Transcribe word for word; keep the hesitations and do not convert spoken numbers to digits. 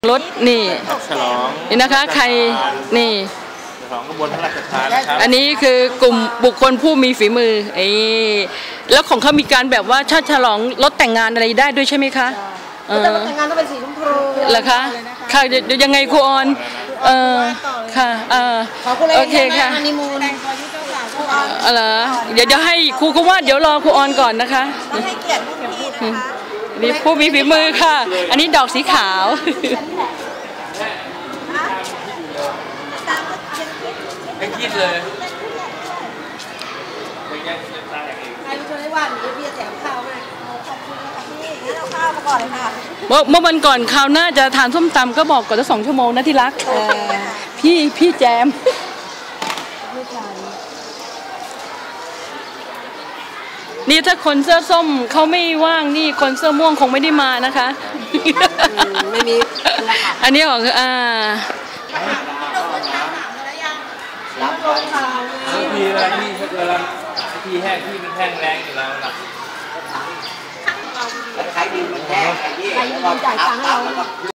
รถนี่ฉลองนี่นะคะใครนี่ฉลองกระบวนพระราชทานนะครับอันนี้คือกลุ่มบุคคลผู้มีฝีมือไอ้แล้วของเขามีการแบบว่าชาติฉลองรถแต่งงานอะไรได้ด้วยใช่ไหมคะเออแต่งงานต้องเป็นสีชมพูเหรอคะค่ะเดี๋ยวยังไงครูออนเออค่ะเออโอเคค่ะอะไรเดี๋ยวจะให้ครูเขาว่าเดี๋ยวรอครูออนก่อนนะคะให้เกียรติผู้มีนะคะนี่ผู้มีฝีมือค่ะอันนี้ดอกสีขาวไม่คิดเลยใครเป็นคนได้ว่าหนูพี่จะแถมข้าวให้ขอบคุณค่ะพี่งั้นเอาข้าวมาก่อนเลยค่ะเมื่อเมื่อวันก่อนคราวหน้าจะทานส้มตำก็บอกก่อนจะสองชั่วโมงนะที่รักพี่พี่แจมนี่ถ้าคนเสื้อส้มเขาไม่ว่างนี่คนเสื้อม่วงคงไม่ได้มานะคะไม่มีอันนี้ของอ่ารับลงข่าวทีเวลาที่เวลาทีแห้งที่มันแห้งแรงอยู่แล้วนะใครดีมันแห้งใครดีจ่ายตังค์ให้เรา